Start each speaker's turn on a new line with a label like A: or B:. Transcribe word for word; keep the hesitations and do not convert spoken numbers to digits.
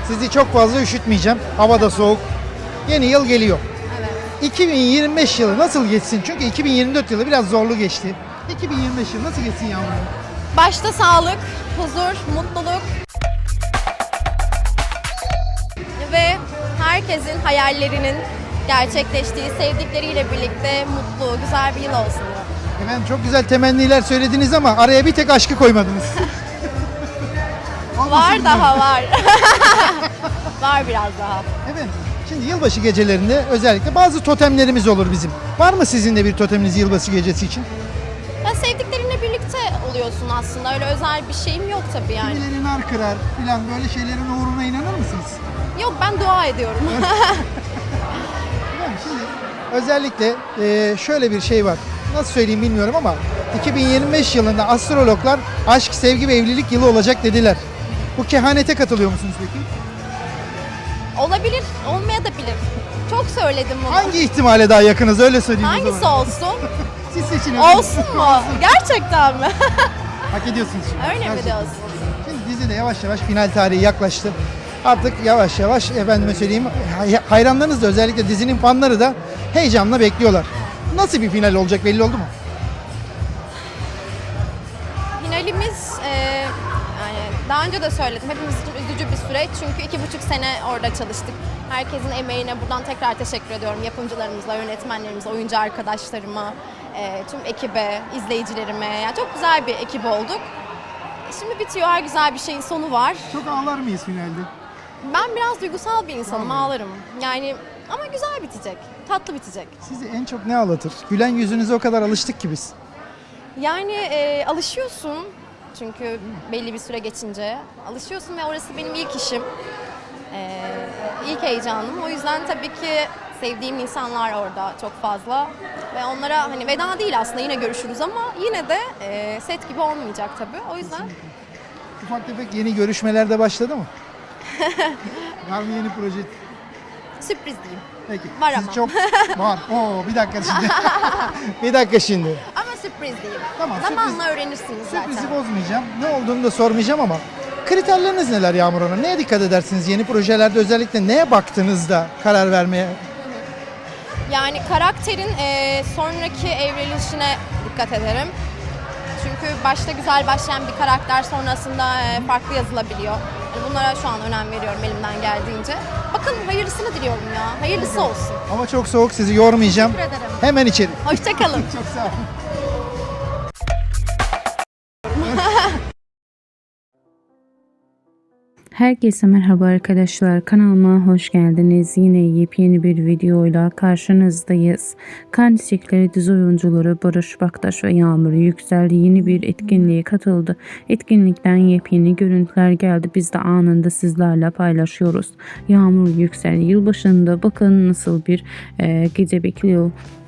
A: Sizi çok fazla üşütmeyeceğim. Hava da soğuk. Yeni yıl geliyor.
B: Evet.
A: iki bin yirmi beş yılı nasıl geçsin? Çünkü iki bin yirmi dört yılı biraz zorlu geçti. iki bin yirmi beş yılı nasıl geçsin yavrum?
B: Başta sağlık, huzur, mutluluk ve herkesin hayallerinin gerçekleştiği, sevdikleriyle birlikte mutlu, güzel bir yıl olsun diyorum.
A: Efendim çok güzel temenniler söylediniz ama araya bir tek aşkı koymadınız.
B: Var daha var. Var biraz daha.
A: Efendim şimdi yılbaşı gecelerinde özellikle bazı totemlerimiz olur bizim. Var mı sizin de bir toteminiz yılbaşı gecesi için?
B: Ya sevdiklerinle birlikte oluyorsun aslında. Öyle özel bir şeyim yok tabii yani.
A: Kimileri nar kırar filan böyle şeylerin uğruna inanır mısınız?
B: Yok, ben dua ediyorum.
A: Efendim şimdi özellikle e, şöyle bir şey var. Nasıl söyleyeyim bilmiyorum ama iki bin yirmi beş yılında astrologlar aşk, sevgi ve evlilik yılı olacak dediler. Bu kehanete katılıyor musunuz peki?
B: Olabilir, olmayabilir. Çok söyledim bunu.
A: Hangi ihtimale daha yakınız öyle söyleyeyim o
B: Hangisi
A: zaman.
B: olsun?
A: Siz seçin.
B: Olsun mu? Gerçekten mi?
A: Hak ediyorsunuz şimdi.
B: Öyle mi
A: Gerçekten.
B: diyorsun?
A: Şimdi dizi de yavaş yavaş final tarihi yaklaştı. Artık yavaş yavaş efendime söyleyeyim hay- hayranlarınız da özellikle dizinin fanları da heyecanla bekliyorlar. Nasıl bir final olacak belli oldu mu?
B: Finalimiz e, yani daha önce de söyledim, hepimiz için üzücü bir süreç çünkü iki buçuk sene orada çalıştık. Herkesin emeğine buradan tekrar teşekkür ediyorum. Yapımcılarımıza, yönetmenlerimize, oyuncu arkadaşlarıma, e, tüm ekibe, izleyicilerime. Yani çok güzel bir ekip olduk. Şimdi bitiyor, her güzel bir şeyin sonu var.
A: Çok ağlar mıyız finalde?
B: Ben biraz duygusal bir insanım, ağlarım. Yani ama güzel bitecek, tatlı bitecek.
A: Sizi en çok ne ağlatır? Gülen yüzünüze o kadar alıştık ki biz.
B: Yani e, alışıyorsun çünkü belli bir süre geçince alışıyorsun ve orası benim ilk işim, e, ilk heyecanım. O yüzden tabii ki sevdiğim insanlar orada çok fazla ve onlara hani veda değil aslında, yine görüşürüz ama yine de e, set gibi olmayacak tabii. O yüzden
A: Ufak tefek yeni görüşmeler de başladı mı? Var mı yeni proje?
B: sürpriz diyeyim.
A: Peki.
B: Var
A: Siz
B: ama.
A: çok var. Oo bir dakika şimdi. bir dakika şimdi.
B: Ama sürpriz diyeyim.
A: Tamam,
B: Zamanla
A: sürpriz-
B: öğrenirsiniz zaten.
A: Sürprizi bozmayacağım. Ne olduğunu da sormayacağım ama kriterleriniz neler Yağmur Hanım? Neye dikkat edersiniz? Yeni projelerde özellikle neye baktığınızda karar vermeye?
B: Yani karakterin e, sonraki evrilişine dikkat ederim. Çünkü başta güzel başlayan bir karakter sonrasında e, farklı yazılabiliyor. Yani bunlara şu an önem veriyorum elimden geldiğince. Bakın hayırlısını diliyorum ya. Hayırlısı olsun.
A: Hava çok soğuk, sizi yormayacağım.
B: Teşekkür ederim.
A: Hemen içeri.
B: Hoşça kalın.
A: Çok sağ olun.
C: Herkese merhaba arkadaşlar, kanalıma hoş geldiniz. Yine yepyeni bir videoyla karşınızdayız. Kan Çiçekleri dizi oyuncuları Barış Baktaş ve Yağmur Yüksel yeni bir etkinliğe katıldı. Etkinlikten yepyeni görüntüler geldi. Biz de anında sizlerle paylaşıyoruz. Yağmur Yüksel yılbaşında bakın nasıl bir e, gece bekliyor.